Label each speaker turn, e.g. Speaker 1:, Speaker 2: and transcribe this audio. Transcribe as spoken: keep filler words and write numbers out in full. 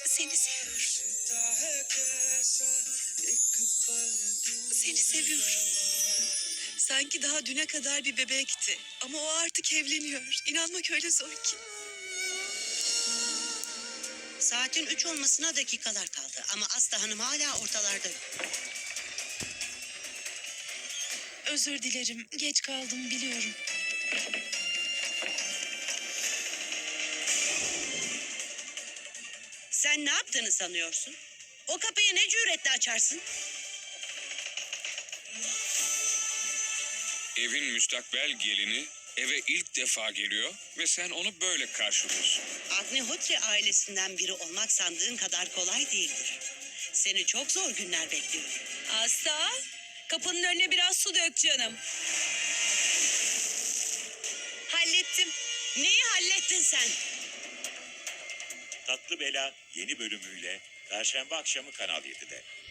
Speaker 1: Seni seviyorum. Seni seviyorum. Sanki daha düne kadar bir bebekti. Ama o artık evleniyor. İnanmak öyle zor ki.
Speaker 2: Saatin üç olmasına dakikalar kaldı ama Aslı Hanım hala ortalarda yok.
Speaker 1: Özür dilerim. Geç kaldım biliyorum.
Speaker 2: Sen ne yaptığını sanıyorsun? O kapıyı ne cüretle açarsın?
Speaker 3: Evin müstakbel gelini eve ilk defa geliyor ve sen onu böyle karşılıyorsun.
Speaker 2: Agnihotri ailesinden biri olmak sandığın kadar kolay değildir. Seni çok zor günler bekliyor.
Speaker 1: Asla. Kapının önüne biraz su dök canım. Hallettim.
Speaker 2: Neyi hallettin sen?
Speaker 4: Tatlı Bela yeni bölümüyle Perşembe akşamı Kanal yedide.